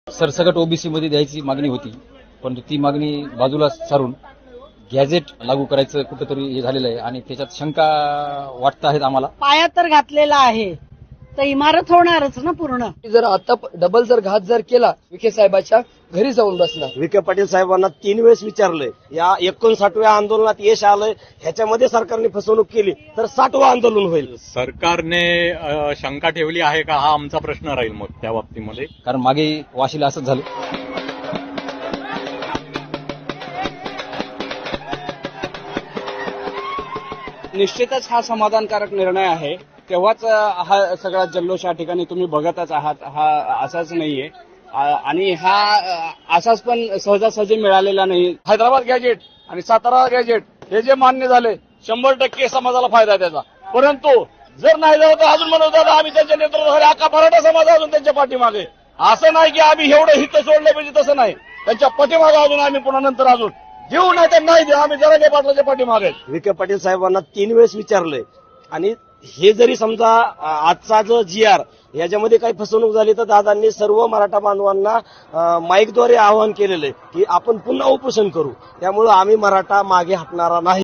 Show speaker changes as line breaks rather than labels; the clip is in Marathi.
सरसकट ओबीसी मध्ये द्यायची मागणी होती, परंतु ती मागणी बाजूला सारून गॅझेट लागू करायचं कुठेतरी हे झालेलं आहे आणि त्याच्यात शंका वाटत आहेत आम्हाला.
पायात तर घातलेला आहे तर इमारत होणारच ना पूर्ण.
जर आता डबल जर घात जर केला विखे साहेबाच्या घरी जाऊन बसला.
विखे पाटील साहेबांना 3 वेळेस विचारलंय, या 59व्या आंदोलनात यश आलंय, ह्याच्यामध्ये सरकारने फसवणूक केली तर 60वं आंदोलन होईल.
सरकारने शंका ठेवली आहे का, हा आमचा प्रश्न राहील मग त्या बाबतीमध्ये.
कारण मागे वाशीला असंच झालं.
निश्चितच हा समाधानकारक निर्णय आहे. तेव्हाच हा सगळा जल्लोष या ठिकाणी तुम्ही बघतच आहात. हा असाच नाहीये आणि हा असाच पण सहजासहजी मिळालेला नाही.
हैदराबाद गॅजेट आणि सातारा गॅजेट हे जे मान्य झाले 100% समाजाला फायदा आहे त्याचा. परंतु जर नाही झालं तर अजून म्हणत होता आम्ही त्यांच्या नेतृत्वाखाली अख्खा मराठा समाज अजून त्यांच्या पाठीमागे. असं नाही की आम्ही एवढं हित सोडलं पाहिजे, तसं नाही. त्यांच्या पाठीमागे अजून आम्ही पुन्हा नंतर अजून देऊ नाही तर नाही देऊ, आम्ही जरांगे पाटलाच्या पाठीमागे.
विखे पाटील साहेबांना 3 वेळेस विचारलंय आणि हे जरी समजा आजचा जो GR याच्यामध्ये काही फसवणूक झाली तर दादांनी सर्व मराठा बांधवांना माईकद्वारे आवाहन केलेलं आहे की आपण पुन्हा उपोषण करू. त्यामुळे आम्ही मराठा मागे हटणारा नाही.